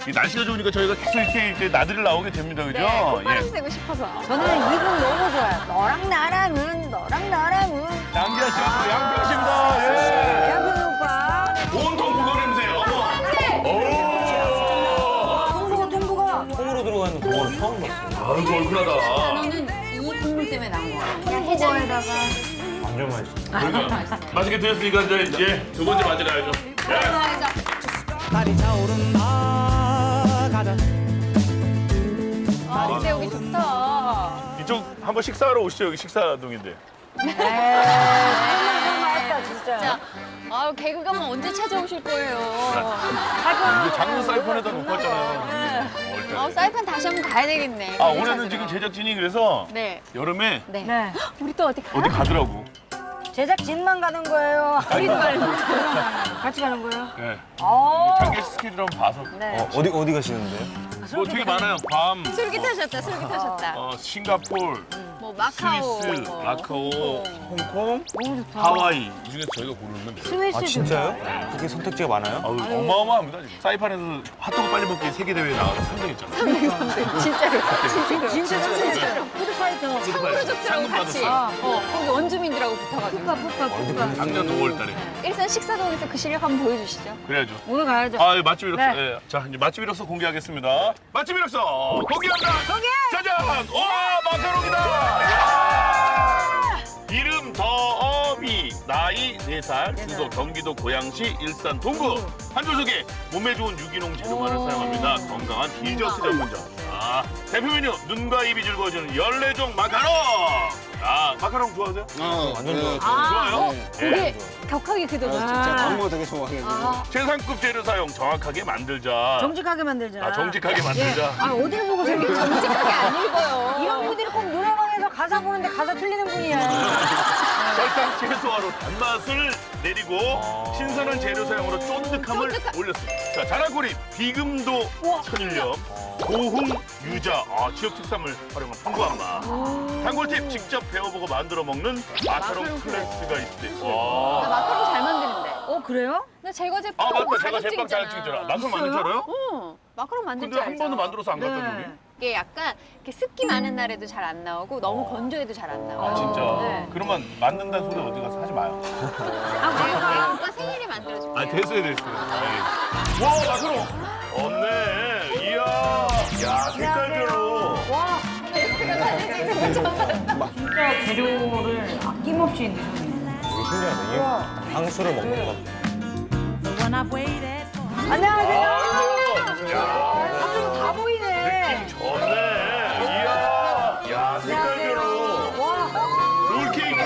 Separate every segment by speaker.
Speaker 1: 이 날씨가 좋으니까 저희가 계속 이렇게 이제 나들이를 나오게 됩니다, 그죠?
Speaker 2: 네, 콧바람 쐬고 싶어서.
Speaker 3: 저는 이분 너무 좋아요. 너랑 나랑은, 너랑 나랑은.
Speaker 1: 양기아 씨와 또 양평 씨입니다. 예.
Speaker 3: 양근 오빠.
Speaker 1: 온통 국어 냄새. 어머. 오.
Speaker 3: 동부가, 동부가.
Speaker 4: 통으로 들어가는 그거는 처음 봤어요.
Speaker 1: 아이고 얼큰하다.
Speaker 2: 저는 이 국물 때문에 나온 거예요. 그냥
Speaker 3: 해장에다가.
Speaker 4: 완전 맛있어.
Speaker 1: 그러니까 맛있게 드셨으니까 이제 두 번째 맞으러 가야죠. 예.
Speaker 5: 날이 차오른다 가자.
Speaker 2: 아, 진짜 여기 좋다.
Speaker 1: 이쪽 한번 식사하러 오시죠. 여기 식사동인데.
Speaker 3: 맛있다, 진짜.
Speaker 2: 자, 아유, 개그감은 언제 찾아오실 거예요?
Speaker 1: 이게 장르 사이판에다 놓고 왔잖아요.
Speaker 2: 아, 사이판 다시 한번 가야 되겠네.
Speaker 1: 아 올해는 지금 제작진이 그래서
Speaker 2: 네.
Speaker 1: 여름에
Speaker 2: 네.
Speaker 3: 네.
Speaker 2: 우리 또 어디 가요?
Speaker 1: 어디 가더라고.
Speaker 3: 제작진만 가는 거예요.
Speaker 2: 우리도 말고.
Speaker 3: 같이 가는 거예요?
Speaker 1: 네.
Speaker 3: 어.
Speaker 1: 장기 스케줄 한번 봐서.
Speaker 3: 네.
Speaker 4: 어디 가시는데요?
Speaker 1: 뭐 되게 많아요. 괌,
Speaker 2: 솔깃하셨다, 솔깃하셨다.
Speaker 1: 싱가폴,
Speaker 2: 뭐, 마카오.
Speaker 1: 스위스,
Speaker 2: 뭐,
Speaker 1: 마카오, 홍콩,
Speaker 3: 너무 좋다.
Speaker 1: 하와이. 이 중에서 저희가 고르면 돼요.
Speaker 3: 스위스
Speaker 4: 아 진짜요? 그렇게 선택지가 많아요?
Speaker 1: 아우, 어마어마합니다. 지금. 사이판에서 핫도그 빨리 먹기 세계대회에 나가서 3등 했잖아요.
Speaker 2: 진짜로.
Speaker 3: 진짜 푸드파이터.
Speaker 2: 상으로 줬더라고,
Speaker 1: 상금
Speaker 2: 같이.
Speaker 1: 받았어.
Speaker 2: 거기 원주민들하고 붙어가지고.
Speaker 3: 푸파.
Speaker 1: 작년 5월 달에.
Speaker 2: 일산 식사동에서 그 실력 한번 보여주시죠.
Speaker 1: 그래야죠.
Speaker 3: 오늘 가야죠.
Speaker 1: 아, 맛집 이력서.
Speaker 3: 네.
Speaker 1: 예. 자, 이제 맛집 이력서 공개하겠습니다. 맛집 이력서 공개합니다.
Speaker 3: 공개!
Speaker 1: 짜잔! 와, 마카롱이다! 야! 이름 더어비, 나이 4살, 주소 경기도 고양시 일산 동구. 한줄 소개, 몸에 좋은 유기농 재료만을 사용합니다. 건강한 디저트 전문점. 아, 대표 메뉴, 눈과 입이 즐거워지는 14종 마카롱! 아, 마카롱 좋아하세요?
Speaker 4: 완전 좋아요.
Speaker 1: 좋아요?
Speaker 2: 그게 격하게 그려졌죠.
Speaker 5: 진짜 광고 되게 좋아해가지고.
Speaker 2: 아,
Speaker 1: 최상급 재료 사용 정확하게 만들자.
Speaker 3: 정직하게 만들자.
Speaker 1: 아, 정직하게 만들자.
Speaker 3: 예. 아, 어디를 보고 생겨?
Speaker 2: 정직하게 안 읽어요.
Speaker 3: 이런 분들이 꼭 노래방에서 가사 보는데 가사 틀리는 분이야.
Speaker 1: 설탕 최소화로 단맛을 내리고 신선한 재료 사용으로 쫀득함을 올렸습니다. 자, 자라꼬리, 비금도 천일염, 고흥 유자, 지역 특산물 활용한 풍부한 맛. 단골팁, 직접 배워보고 만들어 먹는 마카롱 클래스가 있대.
Speaker 2: 나 마카롱 잘 만드는데.
Speaker 3: 그래요?
Speaker 2: 나 제과 제빵
Speaker 1: 아, 맞다. 제가
Speaker 2: 자격증
Speaker 1: 제빵 잘
Speaker 2: 있잖아.
Speaker 1: 찍잖아. 마카롱 만들 줄 알아요?
Speaker 2: 응, 마카롱 만들
Speaker 1: 근데
Speaker 2: 줄
Speaker 1: 한
Speaker 2: 알죠.
Speaker 1: 번도 만들어서 안 갖다
Speaker 3: 네.
Speaker 1: 주니?
Speaker 2: 이게 약간 이렇게 습기 많은 날에도 잘 안 나오고 너무 건조해도 잘 안 나와요.
Speaker 1: 아, 진짜?
Speaker 2: 네.
Speaker 1: 그러면 만든다는 소리 어디 가서 하지 마요.
Speaker 2: 내가 오빠 생일에 만들어줄게요.
Speaker 1: 아, 됐어요, 됐어요. 네. 와, 마카롱! 없네. 이야. 야, 색깔별로.
Speaker 3: 와,
Speaker 2: 베스트가 달려지는 거죠.
Speaker 3: 진짜 재료를 아낌없이 넣으셨네.
Speaker 4: 되게 신기하네. 이게 향수를 먹는 거.
Speaker 3: 안녕하세요.
Speaker 1: 아이고. 야.
Speaker 3: 갑자기 다 보이네.
Speaker 1: 느낌 좋네. 이야. 야, 색깔별로.
Speaker 3: 와,
Speaker 1: 롤케이크.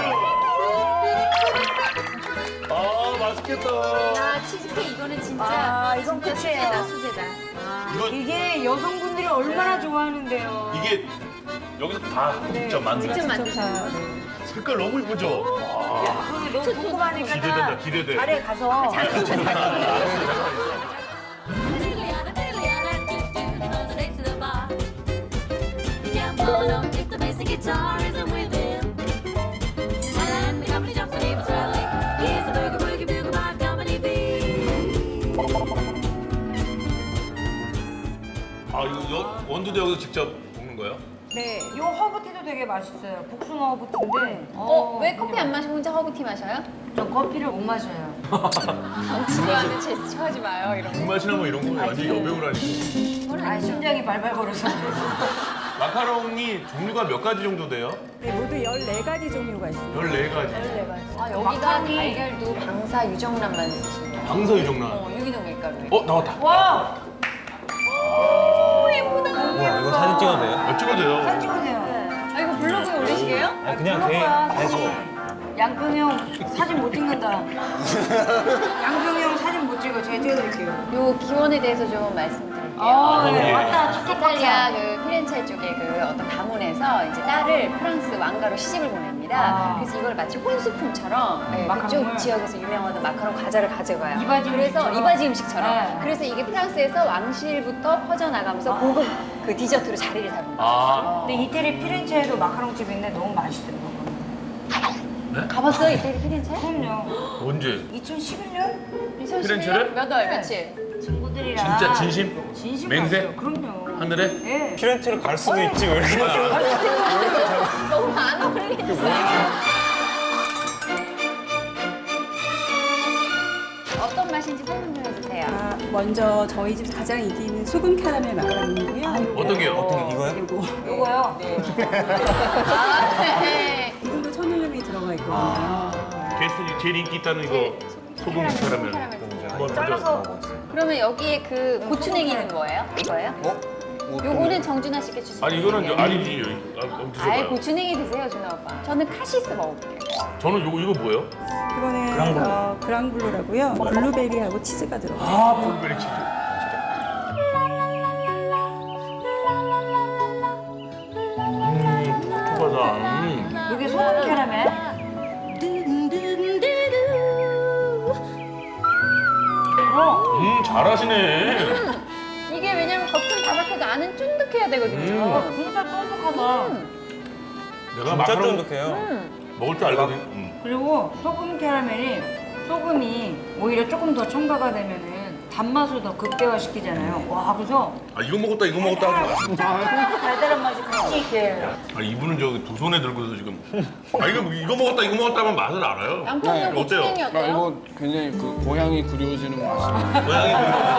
Speaker 1: 아, 맛있겠다.
Speaker 2: 아, 치즈케이크 이거는 진짜.
Speaker 3: 아, 이건
Speaker 2: 진짜
Speaker 3: 끝이에요.
Speaker 2: 수제다, 수제다.
Speaker 1: 이거
Speaker 3: 이게 여성분들이 얼마나 좋아하는데요.
Speaker 1: 이게 여기서 다 직접 만든
Speaker 2: 직접 만드신
Speaker 1: 색깔 너무 이쁘죠?
Speaker 3: 그게 너무 궁금하니까
Speaker 1: 기대된다, 기대돼.
Speaker 3: 자리에 가서
Speaker 1: 아, 이거 원두도 여기서 직접 볶는 거예요?
Speaker 3: 네, 요 허브티도 되게 맛있어요. 복숭아 허브티인데.
Speaker 2: 왜 커피 안 마시고 혼자 허브티 마셔요?
Speaker 3: 저 커피를 못 마셔요.
Speaker 2: 당신한테 제스처 하지 마요, 이런 거.
Speaker 1: 불맛이나 뭐 이런 거 완전 여백으로 하니까.
Speaker 3: 아, 심장이 발발 걸어서.
Speaker 1: 마카롱이 종류가 몇 가지 정도 돼요?
Speaker 6: 네, 모두 14가지 종류가 있습니다.
Speaker 1: 14가지.
Speaker 2: 아, 여기가 달걀도 방사 유정란만 쓰시는 거예요.
Speaker 1: 방서 유정란.
Speaker 2: 유기농 밀가루에.
Speaker 1: 나왔다.
Speaker 3: 와!
Speaker 4: 우와, 이거 사진 찍어도 돼요?
Speaker 1: 찍어도 돼요.
Speaker 3: 사진 찍으세요.
Speaker 2: 아, 이거 블로그에 올리시게요?
Speaker 4: 아니, 그냥 계속.
Speaker 3: 양평이 형 사진 못 찍는다. 양평이 형 사진 못 찍어. 제가 찍어드릴게요.
Speaker 2: 요 기원에 대해서 좀 말씀드릴게요.
Speaker 3: 네, 맞다.
Speaker 2: 이탈리아 그 피렌체 쪽에 그 어떤 가문에서 이제 딸을 프랑스 왕가로 시집을 보냅니다.
Speaker 3: 아.
Speaker 2: 그래서 이걸 마치 혼수품처럼 네,
Speaker 3: 마카롱을?
Speaker 2: 그쪽 지역에서 유명한 마카롱 과자를 가져가요.
Speaker 3: 이바지
Speaker 2: 그래서
Speaker 3: 음식처럼?
Speaker 2: 이바지 음식처럼.
Speaker 3: 네.
Speaker 2: 그래서 이게 프랑스에서 왕실부터 퍼져나가면서 고급 그 디저트로 자리를 잡은 거예요.
Speaker 1: 아.
Speaker 3: 근데 이태리 피렌체에도 마카롱 집인데 너무 맛있더라고요.
Speaker 2: 가봤어요 이태리 피렌체?
Speaker 3: 그럼요.
Speaker 1: 언제?
Speaker 3: 2011년?
Speaker 1: 피렌체를?
Speaker 2: 몇 월 며칠?
Speaker 3: 친구들이랑.
Speaker 1: 진짜 진심?
Speaker 3: 진심
Speaker 1: 맹세?
Speaker 3: 갔어요. 그럼요.
Speaker 1: 하늘에?
Speaker 3: 네.
Speaker 4: 피렌체를 갈 수도 있지 왜 이렇게
Speaker 2: 너무 안 어울리는 어떤 맛인지 설명 좀 해주세요.
Speaker 6: 아, 먼저 저희 집에서 가장 인기 있는 소금 캐러멜 마카롱이고요.
Speaker 1: 어떤 게요?
Speaker 4: 어떤 게 이거요?
Speaker 6: 그리고
Speaker 3: 요거요.
Speaker 2: 아, 네.
Speaker 6: 이것도 천연염이 들어가 있거든요.
Speaker 1: 게스트 제일 인기 있다는 이거 소금 캐러멜. 한번
Speaker 3: 잘라서.
Speaker 2: 그러면 여기에 그 고추냉이는 뭐예요? 이거예요? 요거는 정준하 씨께 주시면
Speaker 1: 아니 이거는 저 아니지. 한번
Speaker 2: 아예
Speaker 1: 드셔봐요.
Speaker 2: 고추냉이 드세요, 준하 오빠. 저는 카시스 먹어볼게요.
Speaker 1: 저는 이거 뭐예요?
Speaker 6: 그거는 그랑블루라고요. 블루베리하고 치즈가 들어가요.
Speaker 1: 아 블루베리 치즈. 톡톡하다.
Speaker 3: 이게 소금 캐러멜.
Speaker 1: 잘하시네.
Speaker 2: 이게 왜냐면 겉은 바삭해도 안은 쫀득해야 되거든요.
Speaker 3: 진짜 쫀득하다.
Speaker 1: 내가
Speaker 4: 진짜
Speaker 1: 마카롱
Speaker 4: 쫀득해요.
Speaker 1: 먹을 줄 알거든.
Speaker 3: 그리고 소금 캐러멜이 소금이 오히려 조금 더 첨가가 되면은 단맛을 더 극대화시키잖아요. 와, 그래서
Speaker 1: 아 이거 먹었다 이거 먹었다 하지 마.
Speaker 3: 달달한 맛이 같이 이렇게.
Speaker 1: 아 이분은 저기 두 손에 들고서 지금. 아 이거 먹었다 이거 먹었다 하면 맛을 알아요.
Speaker 2: 양평동
Speaker 1: 어때요?
Speaker 2: 고추냉이
Speaker 5: 아,
Speaker 2: 어때요?
Speaker 5: 이거 굉장히 그 고향이 그리워지는 맛이
Speaker 1: 고양이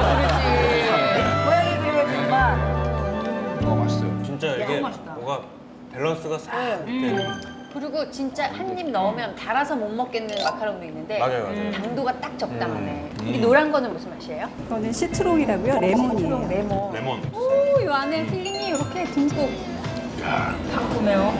Speaker 3: 고양이 그리워지는 맛.
Speaker 5: 너무 맛있어요.
Speaker 4: 진짜 이게
Speaker 3: 맛있다.
Speaker 4: 뭐가 밸런스가 싹 이렇게
Speaker 2: 그리고 진짜 한 입 넣으면 달아서 못 먹겠는 마카롱도 있는데
Speaker 4: 맞아요 맞아요.
Speaker 2: 당도가 딱 적당하네. 이 노란 거는 무슨 맛이에요?
Speaker 6: 이거는 시트롱이라고요. 레몬이에요.
Speaker 2: 레몬.
Speaker 1: 레몬.
Speaker 2: 오, 이 안에 필링이 이렇게 듬뿍.
Speaker 3: 상큼해요.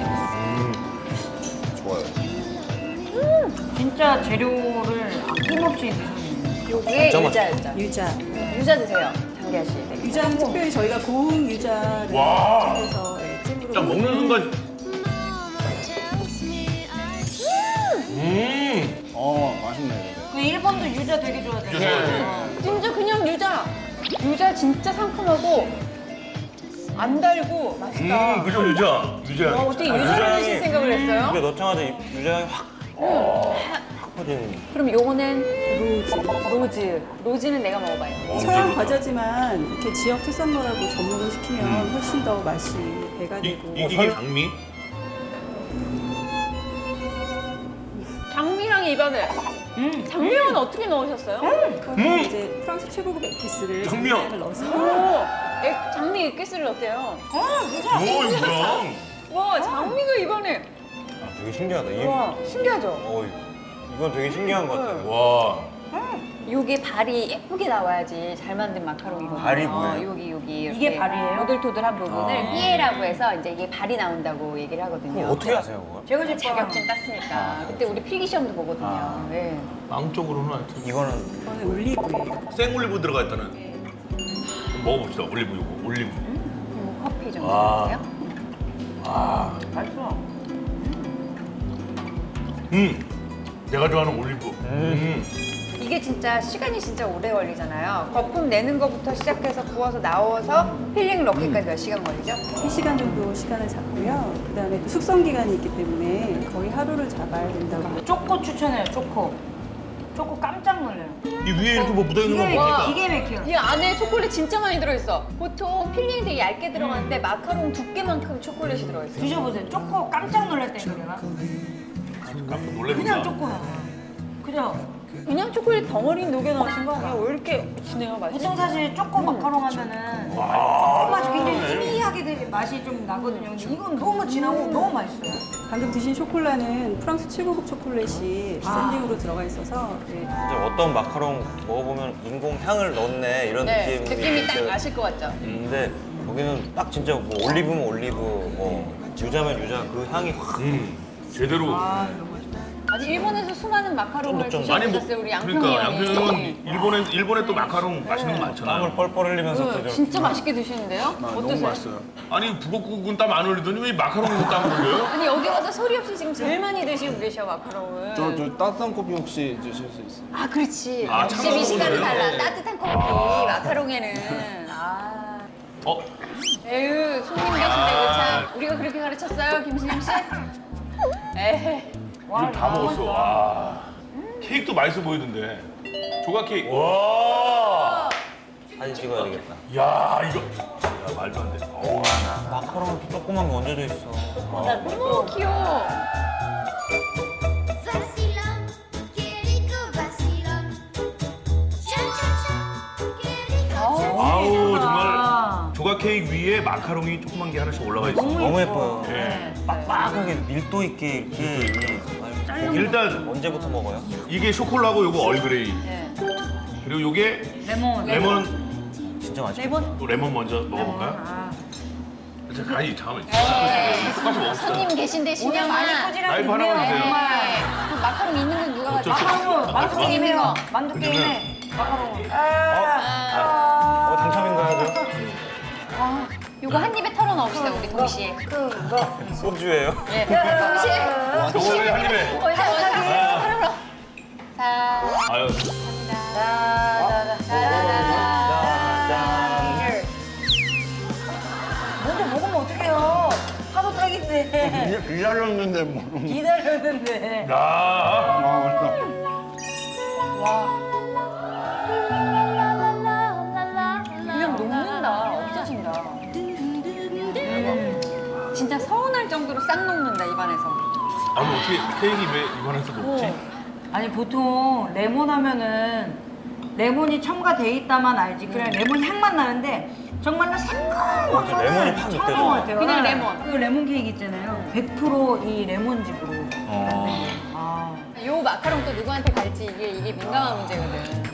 Speaker 5: 좋아요.
Speaker 3: 진짜 재료를 아낌없이 드셨네요.
Speaker 2: 요게
Speaker 4: 진짜
Speaker 2: 유자였죠.
Speaker 6: 유자.
Speaker 2: 유자 드세요, 장기하 씨. 네.
Speaker 6: 유자는 특별히 저희가 고운 유자를
Speaker 1: 와.
Speaker 6: 해서 찜으로
Speaker 1: 딱 먹는 순간.
Speaker 5: 맛있네.
Speaker 3: 그 일본도 유자 되게 좋아하잖아요.
Speaker 2: 진짜 그냥 유자. 유자 진짜 상큼하고 안 달고 맛있다.
Speaker 1: 그죠 유자. 유자.
Speaker 2: 와, 어떻게 유자를 드실 생각을 했어요?
Speaker 4: 입에 넣자마자 유자향이 확 퍼지는.
Speaker 2: 그럼 요거는 로즈는 내가 먹어봐요.
Speaker 6: 서양 과자지만 이렇게 지역 특산물하고 접목을 시키면 훨씬 더 맛이 배가 되고.
Speaker 1: 이게 장미?
Speaker 2: 장미랑 입안에. 장미랑은 어떻게 넣으셨어요?
Speaker 6: 그거는 이제 프랑스 최고급 에피스를
Speaker 1: 장미요.
Speaker 6: 장미를 넣어서
Speaker 2: 오, 장미 액기스를 넣대요.
Speaker 1: 오 이거 뭐야?
Speaker 2: 와, 장미가 입안에.
Speaker 4: 아, 되게 신기하다.
Speaker 2: 와, 신기하죠?
Speaker 4: 이건 되게 신기한 것 같아요.
Speaker 1: 와.
Speaker 2: 요게 발이 예쁘게 나와야지 잘 만든 마카롱이거든요.
Speaker 4: 발이 뭐예요?
Speaker 2: 여기
Speaker 3: 이게
Speaker 2: 이렇게
Speaker 3: 발이에요?
Speaker 2: 오돌토돌한 부분을 피에라고 해서 이제 이게 발이 나온다고 얘기를 하거든요.
Speaker 4: 어떻게 아세요, 그걸?
Speaker 3: 제가 지금
Speaker 2: 자격증 땄으니까. 그때 우리 필기 시험도 보거든요. 네.
Speaker 1: 빵 쪽으로는 하여튼
Speaker 4: 이거는
Speaker 6: 이거는 올리브예요.
Speaker 1: 생 올리브 들어가 있다는. 먹어봅시다. 올리브 요거 올리브.
Speaker 2: 요 커피 정도
Speaker 1: 와.
Speaker 2: 드세요?
Speaker 3: 맛있어.
Speaker 1: 내가 좋아하는 올리브.
Speaker 2: 이게 진짜 시간이 진짜 오래 걸리잖아요. 거품 내는 것부터 시작해서 구워서 나와서 필링 넣기까지 몇 시간 걸리죠?
Speaker 6: 3시간 정도 시간을 잡고요. 그다음에 또 숙성 기간이 있기 때문에 거의 하루를 잡아야 된다고.
Speaker 3: 초코 추천해요, 초코. 초코 깜짝 놀래요.
Speaker 1: 이 위에 이렇게 뭐 묻어 있는 거 뭡니까?
Speaker 3: 기계 막혀요.
Speaker 2: 이 안에 초콜릿 진짜 많이 들어있어. 보통 필링이 되게 얇게 들어가는데 마카롱 두께만큼 초콜릿이 들어있어요.
Speaker 3: 드셔보세요. 초코 깜짝 놀랐다니까 내가.
Speaker 1: 깜짝 놀래는
Speaker 3: 그냥 초코야. 그죠?
Speaker 2: 그냥 초콜릿 덩어리 녹여 넣으신 거 아니에요? 왜 이렇게 진해요, 맛이?
Speaker 3: 보통 사실 초코 마카롱 하면은 초코 맛이 굉장히 희미하게 되게 맛이 좀 나거든요. 근데 이건 너무 진하고 너무 맛있어요.
Speaker 6: 방금 드신 쇼콜라는 프랑스 최고급 초콜릿이 샌딩으로 들어가 있어서 네.
Speaker 4: 이제 어떤 마카롱 먹어보면 인공 향을 넣네 이런
Speaker 2: 네, 느낌이 딱
Speaker 4: 있어요.
Speaker 2: 나실 것 같죠?
Speaker 4: 근데 여기는 딱 진짜 뭐 올리브면 올리브, 뭐 유자면 유자 그 향이 확.
Speaker 1: 제대로.
Speaker 2: 아니 일본에서 수많은 마카롱을
Speaker 4: 쫀득쫀득.
Speaker 1: 많이 먹.
Speaker 2: 드셔보셨어요, 우리 양평이
Speaker 1: 그러니까
Speaker 2: 형이.
Speaker 1: 양평은 일본에 또 마카롱 맛있는 거 많잖아요.
Speaker 4: 땀을 뻘뻘 흘리면서 또
Speaker 2: 네,
Speaker 4: 좀.
Speaker 2: 진짜 맛있게 드시는데요?
Speaker 5: 너무
Speaker 2: 어떠세요?
Speaker 5: 맛있어요.
Speaker 1: 아니 북어국은 땀 안 흘리더니 왜 마카롱에서 땀을 흘려요?
Speaker 2: 아니 여기 와서 소리 없이 지금 제일 많이 드시고 계셔 마카롱을.
Speaker 5: 저 따뜻한 커피 혹시 드실 수 있어요?
Speaker 2: 아 그렇지.
Speaker 1: 아,
Speaker 2: 역시
Speaker 1: 참고로
Speaker 2: 미식가는
Speaker 1: 그래요?
Speaker 2: 달라. 따뜻한 커피 마카롱에는. 아. 에휴 손님 계신데 이거 참 우리가 그렇게 가르쳤어요 김신영 씨? 에헤.
Speaker 1: 이거 다 먹었어. 와. 케이크도 맛있어 보이던데. 조각 케이크. 와.
Speaker 4: 사진 찍어야 되겠다.
Speaker 1: 야 이거. 야 말도 안 돼. 어우.
Speaker 4: 마카롱 조그만 게 얹어져 있어.
Speaker 2: 너무 귀여워.
Speaker 7: Vacilón, qué rico vacilón. Cha cha cha, qué rico.
Speaker 1: 아우 정말 조각 케이크 위에 마카롱이 조그만 게 하나씩 올라가 있어.
Speaker 4: 너무 예뻐요.
Speaker 1: 예.
Speaker 4: 빡빡하게 밀도 있게 이렇게.
Speaker 1: 일단
Speaker 4: 언제부터 먹어요?
Speaker 1: 이게 쇼콜라고 요거 얼그레이.
Speaker 2: 네.
Speaker 1: 그리고 요게
Speaker 3: 레몬.
Speaker 1: 레몬.
Speaker 4: 진짜 맛있어.
Speaker 2: 레몬.
Speaker 1: 또 레몬 먼저 먹어볼까요?
Speaker 3: 아.
Speaker 1: 자, 간이 잠깐만. 똑같이 먹읍시다.
Speaker 2: 손님 계신데
Speaker 3: 오늘 많이
Speaker 2: 신영아.
Speaker 3: 꼬지라
Speaker 1: 라이프 하나만
Speaker 3: 있네요.
Speaker 1: 주세요.
Speaker 3: 정말.
Speaker 2: 그 마카롱 있는 건 누가 가져?
Speaker 1: 어쩔 수 없어.
Speaker 3: 마카롱, 만두
Speaker 2: 있는
Speaker 3: 게임해요.
Speaker 2: 거.
Speaker 3: 만두 게임해. 마카롱.
Speaker 4: 당첨인가요?
Speaker 2: 아, 요거 한 입에 털어넣읍시다 우리 동시에.
Speaker 4: 소주예요?
Speaker 2: 예. 동시에.
Speaker 1: 요거를 한 입에.
Speaker 2: 털어넣어. 자.
Speaker 1: 아유.
Speaker 3: 먼저 먹으면 어떡해요? 파도 딱인데.
Speaker 5: 기다렸는데 뭐.
Speaker 3: 기다렸는데.
Speaker 1: 야.
Speaker 5: 아, 맛있다.
Speaker 2: 그냥 녹는다. 없어진다. 진짜 서운할 정도로 싹 녹는다 입안에서.
Speaker 1: 아니 어떻게 케이크 왜 입안에서 먹지?
Speaker 3: 아니 보통 레몬 하면은 레몬이 첨가돼 있다만 알지 그냥 레몬 향만 나는데 정말로 생각한
Speaker 4: 맞아, 레몬이 팍
Speaker 3: 처음
Speaker 4: 느껴져.
Speaker 3: 것 같아요.
Speaker 2: 그냥 레몬.
Speaker 3: 그 레몬 케이크 있잖아요. 100%이 레몬즙으로.
Speaker 4: 어.
Speaker 3: 아.
Speaker 2: 요 마카롱 또 누구한테 갈지 이게 민감한 문제거든.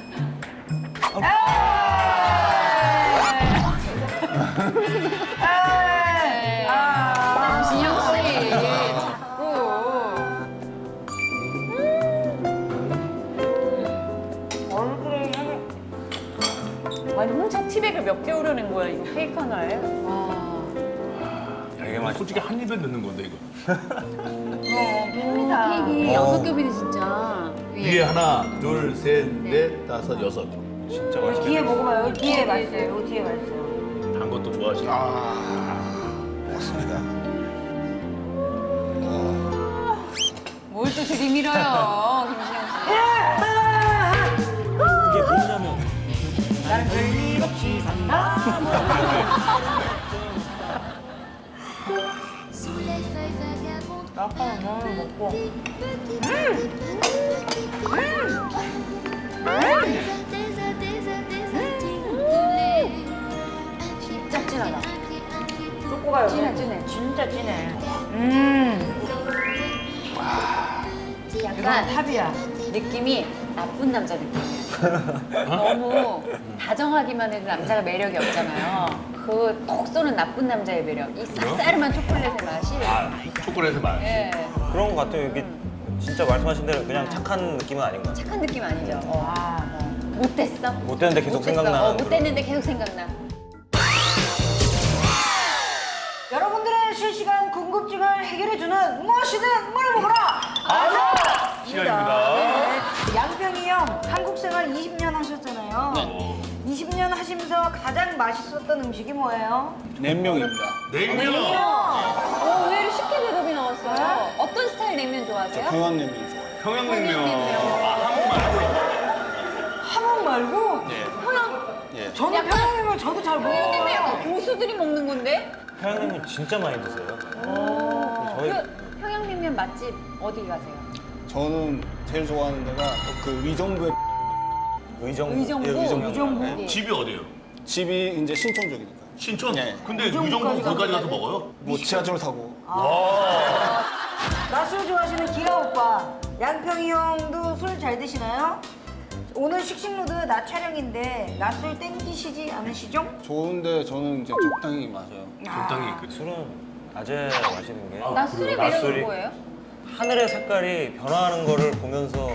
Speaker 2: 진영 씨 자꾸.
Speaker 3: 얼굴에 향이.
Speaker 2: 아니 혼자 티백을 몇 개 오르는 거야 이거 케이크 하나에? 와.
Speaker 4: 되게 맛있어.
Speaker 1: 솔직히 한 입에 넣는 건데 이거.
Speaker 2: 팬이다. 케이크 여섯 겹이네 진짜.
Speaker 1: 위에 하나, 둘, 셋, 넷, 다섯, 여섯.
Speaker 4: 진짜
Speaker 3: 여기
Speaker 4: 맛있어.
Speaker 3: 뒤에 먹어봐요. 여기 뒤에 맛있어요. 여기 뒤에 맛있어요.
Speaker 1: 단 것도 좋아하시나?
Speaker 5: 먹습니다.
Speaker 2: 뭘 또 들이밀어요 김신영 씨.
Speaker 4: 그게 뭐냐면
Speaker 3: 나는 별일 없이 산다.
Speaker 7: Sous les feuilles vagabondes,
Speaker 3: 마카롱 너무 먹고.
Speaker 7: des articulaires.
Speaker 2: 진짜 진하다.
Speaker 3: 초코가 여기
Speaker 2: 진해, 진해.
Speaker 3: 진짜 진해.
Speaker 2: 약간
Speaker 3: 이건 탑이야.
Speaker 2: 느낌이 나쁜 남자 느낌이야. 너무 다정하기만 해도 남자가 매력이 없잖아요. 그 톡 쏘는 나쁜 남자의 매력. 이 쌉싸름한 초콜릿의 맛이.
Speaker 1: 아, 초콜릿의 맛.
Speaker 2: 예.
Speaker 4: 그런 것 같아요. 이게 진짜 말씀하신 대로 그냥 착한 느낌은 아닌 것 같아요.
Speaker 2: 착한 느낌 아니죠?
Speaker 3: 아.
Speaker 2: 못됐어?
Speaker 4: 못됐는데 계속
Speaker 2: 못됐어.
Speaker 4: 생각나는
Speaker 2: 못됐는데 계속 생각나.
Speaker 3: 여러분들의 실시간 궁금증을 해결해주는 무엇이든 물어보거라. 아서
Speaker 1: 시간입니다.
Speaker 3: 네. 양평이 형 한국 생활 20년 하셨잖아요.
Speaker 1: 어,
Speaker 3: 20년 하시면서 가장 맛있었던 음식이 뭐예요?
Speaker 5: 냉면입니다.
Speaker 1: 냉면.
Speaker 2: 의외로 쉽게 대답이 나왔어요. 어떤 스타일 냉면 좋아하세요?
Speaker 5: 평안냉면 좋아해요.
Speaker 1: 평양냉면.
Speaker 3: 함흥 말고?
Speaker 5: 예. 예.
Speaker 3: 저는
Speaker 2: 약간-
Speaker 3: 평양냉면 저도 잘
Speaker 2: 냉면
Speaker 3: 먹어요.
Speaker 2: 약간 고수들이 먹는 건데?
Speaker 4: 평양냉면 진짜 많이 드세요. 저희
Speaker 2: 그 평양냉면 맛집 어디 가세요?
Speaker 5: 저는 제일 좋아하는 데가 그 위정부의
Speaker 4: 의정
Speaker 2: 의정부?
Speaker 5: 예, 의정부.
Speaker 3: 의정부?
Speaker 5: 네.
Speaker 1: 집이 어디예요?
Speaker 5: 집이 이제 신촌 쪽이니까.
Speaker 1: 신촌?
Speaker 5: 네.
Speaker 1: 근데 의정부 거기까지 가서 먹어요?
Speaker 5: 뭐 지하철 타고.
Speaker 3: 낮술 좋아하시는 기아 오빠. 양평이 형도 술 잘 드시나요? 오늘 식식로드 낮 촬영인데 낮술 땡기시지 않으시죠?
Speaker 5: 좋은데 저는 이제 적당히 마셔요.
Speaker 1: 적당히 그
Speaker 4: 술은 낮에 마시는 게
Speaker 2: 나 술의 매력은
Speaker 4: 낮술이
Speaker 2: 뭐예요?
Speaker 4: 하늘의 색깔이 변화하는 거를 보면서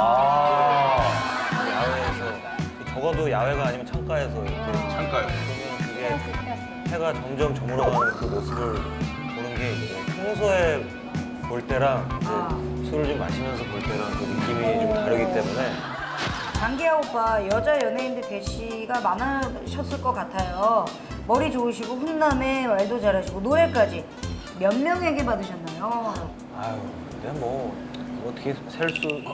Speaker 4: 야외에서 적어도 야외가 아니면 창가에서 이렇게
Speaker 1: 창가요.
Speaker 4: 보면 그게 해가 점점 저물어가는 그 모습을 보는 게 이제 평소에 볼 때랑 이제 술을 좀 마시면서 볼 때랑 그 느낌이 좀 다르기 때문에
Speaker 3: 장기하 오빠 여자 연예인들 대시가 많으셨을 것 같아요. 머리 좋으시고 훈남에 말도 잘하시고 노래까지 몇 명에게 받으셨나요?
Speaker 4: 아유 근데 뭐 어떻게 셀 수?
Speaker 2: 일단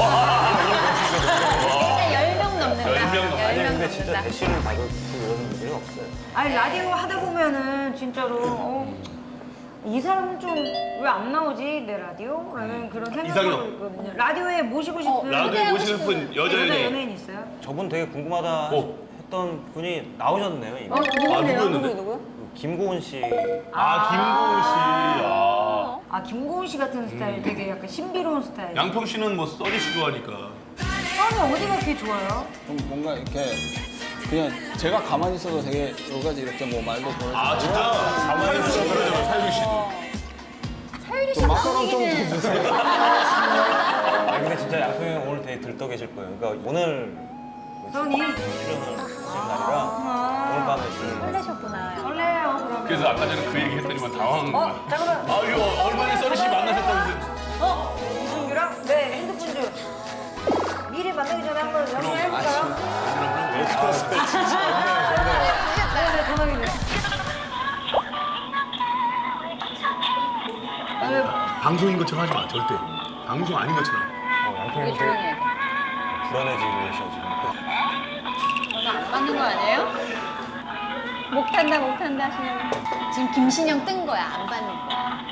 Speaker 2: 10명 넘는다.
Speaker 1: 10명 넘-
Speaker 4: 아니
Speaker 2: 10명
Speaker 4: 근데 진짜
Speaker 2: 넘는다.
Speaker 4: 대시를 받을 이런 분들이 없어요.
Speaker 3: 아니 라디오 하다 보면은 진짜로 이 사람은 좀 왜 안 나오지 내 라디오? 라는 그런 생각이
Speaker 1: 이상형.
Speaker 3: 있거든요. 라디오에 모시고 싶은
Speaker 1: 라디오에 모시고 싶은
Speaker 3: 여자
Speaker 1: 여자
Speaker 3: 연예인 있어요?
Speaker 4: 저분 되게 궁금하다 했던 분이 나오셨네요 이미.
Speaker 1: 누구였는데?
Speaker 4: 김고은 씨.
Speaker 1: 김고은 씨.
Speaker 3: 아 김고은 씨 같은 스타일 되게 약간 신비로운 스타일.
Speaker 1: 양평 씨는 뭐 써니 씨 좋아하니까.
Speaker 3: 처음에 어디가 그렇게 좋아요?
Speaker 5: 좀 뭔가 이렇게 그냥 제가 가만히 있어도 되게 여러 가지 이렇게 뭐 말도 보여주고
Speaker 1: 진짜? 가만히 있어 그러잖아, 사유리 씨도.
Speaker 2: 사유리 씨
Speaker 5: 좀 마카롱 좀
Speaker 2: 나오기는
Speaker 5: 주세요.
Speaker 4: 아 근데 진짜 양평이 형 오늘 되게 들떠 계실 거예요. 그러니까 오늘
Speaker 3: 써니?
Speaker 4: 출연을 하신 날이라 오늘 밤에 좀
Speaker 2: 설레셨구나.
Speaker 3: 설레요 그러면.
Speaker 1: 그래서 아까 전에 그 얘기 했더니만 당황한 거야.
Speaker 3: 자 그럼
Speaker 1: 이거 얼마 전에 써니 씨 만나셨다면서.
Speaker 3: 이승규랑 네 핸드폰 좀 미리 만나기 전에 한번 연락해볼까요? 네, 전화기 좀.
Speaker 1: 방송인 것처럼 하지 마, 절대. 방송 아닌 것처럼.
Speaker 4: 양평이
Speaker 2: 되게
Speaker 4: 형
Speaker 2: 조용히
Speaker 4: 되게
Speaker 2: 해야 돼.
Speaker 4: 불안해지고 계셔 지금.
Speaker 2: 전화 안 받는 거 아니에요? 목 탄다 하시는 지금 김신영 뜬 거야. 안 받는 거야.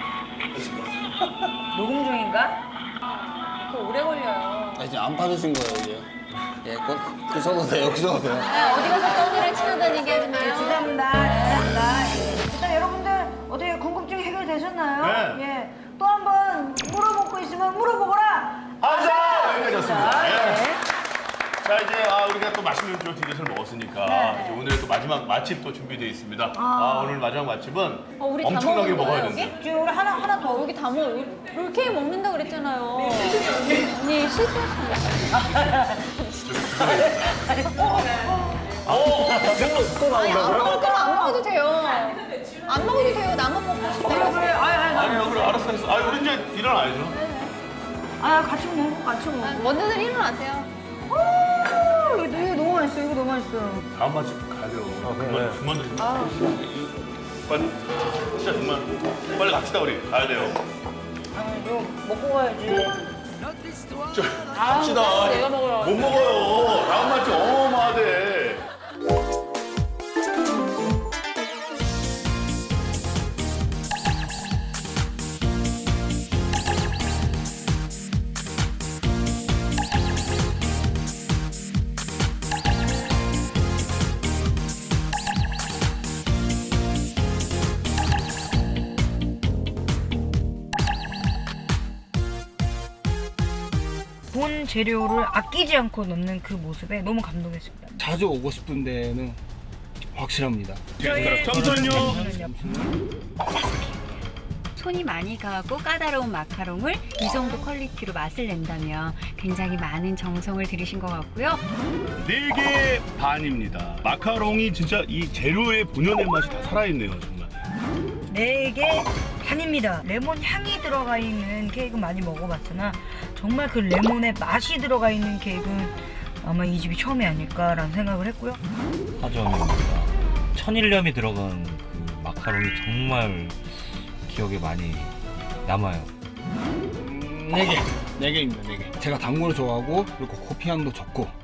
Speaker 3: 녹음 중인가?
Speaker 2: 그거 오래 걸려요.
Speaker 5: 이제 안 받으신 거예요 이제. 예, 그셔도 돼요, 그셔도 돼요.
Speaker 2: 어디 가서 떠들을 치러다니게 하지 마요.
Speaker 3: 죄송합니다. 죄송합니다. 예. 일단 여러분들 어떻게 궁금증 해결되셨나요?
Speaker 1: 네.
Speaker 3: 예. 또 한 번 물어보고 있으면 물어보거라.
Speaker 1: 여기까지였습니다. 예.
Speaker 3: 네.
Speaker 1: 자 이제 우리가 또 맛있는 또 디저트를 먹었으니까 이제 오늘의 또 마지막 맛집 또 준비되어 있습니다. 오늘 마지막 맛집은
Speaker 2: 우리 다
Speaker 1: 엄청나게
Speaker 2: 먹은
Speaker 1: 먹어야
Speaker 2: 거예요,
Speaker 1: 된다.
Speaker 3: 지금 우리 하나 더.
Speaker 2: 여기 다 먹어. 롤케이크 먹는다 그랬잖아요. 언니 실수했어요.
Speaker 4: 또
Speaker 2: 아니 안 먹을 거면 안 먹어도 돼요. 안 먹어도 돼요. 나만 먹고 싶어.
Speaker 3: 그래.
Speaker 1: 아니요, 그래 알았어. 우리 이제 일어나야죠.
Speaker 3: 같이 먹어. 같이 먹어.
Speaker 2: 먼저들 일어나세요.
Speaker 3: 이거 너무 맛있어. 이거 너무 맛있어.
Speaker 1: 다음 맛집 가야 돼요.
Speaker 4: 그래.
Speaker 1: 그만. 빨리. 진짜 정말 빨리 갑시다 우리. 가야 돼요.
Speaker 3: 이거 먹고 가야지.
Speaker 1: 갑시다.
Speaker 2: 내가 먹으러
Speaker 1: 못 먹어요. 다음 맛집 어마어마하대.
Speaker 3: 본 재료를 아끼지 않고 넣는 그 모습에 너무 감동했습니다.
Speaker 5: 자주 오고 싶은 데는 확실합니다.
Speaker 1: 잠시만요.
Speaker 8: 손이 많이 가고 까다로운 마카롱을 이 정도 퀄리티로 맛을 낸다면 굉장히 많은 정성을 들이신 것 같고요.
Speaker 1: 4개 반입니다. 마카롱이 진짜 이 재료의 본연의 맛이 다 살아있네요, 정말.
Speaker 3: 4개 반입니다. 레몬 향이 들어가 있는 케이크 많이 먹어봤으나 정말 그 레몬의 맛이 들어가 있는 케이크는 아마 이 집이 처음이 아닐까라는 생각을 했고요.
Speaker 9: 하점입니다. 천일염이 들어간 그 마카롱이 정말 기억에 많이 남아요.
Speaker 5: 4개. 4개입니다, 4개. 제가 단 걸 좋아하고 그리고 커피 향도 좋고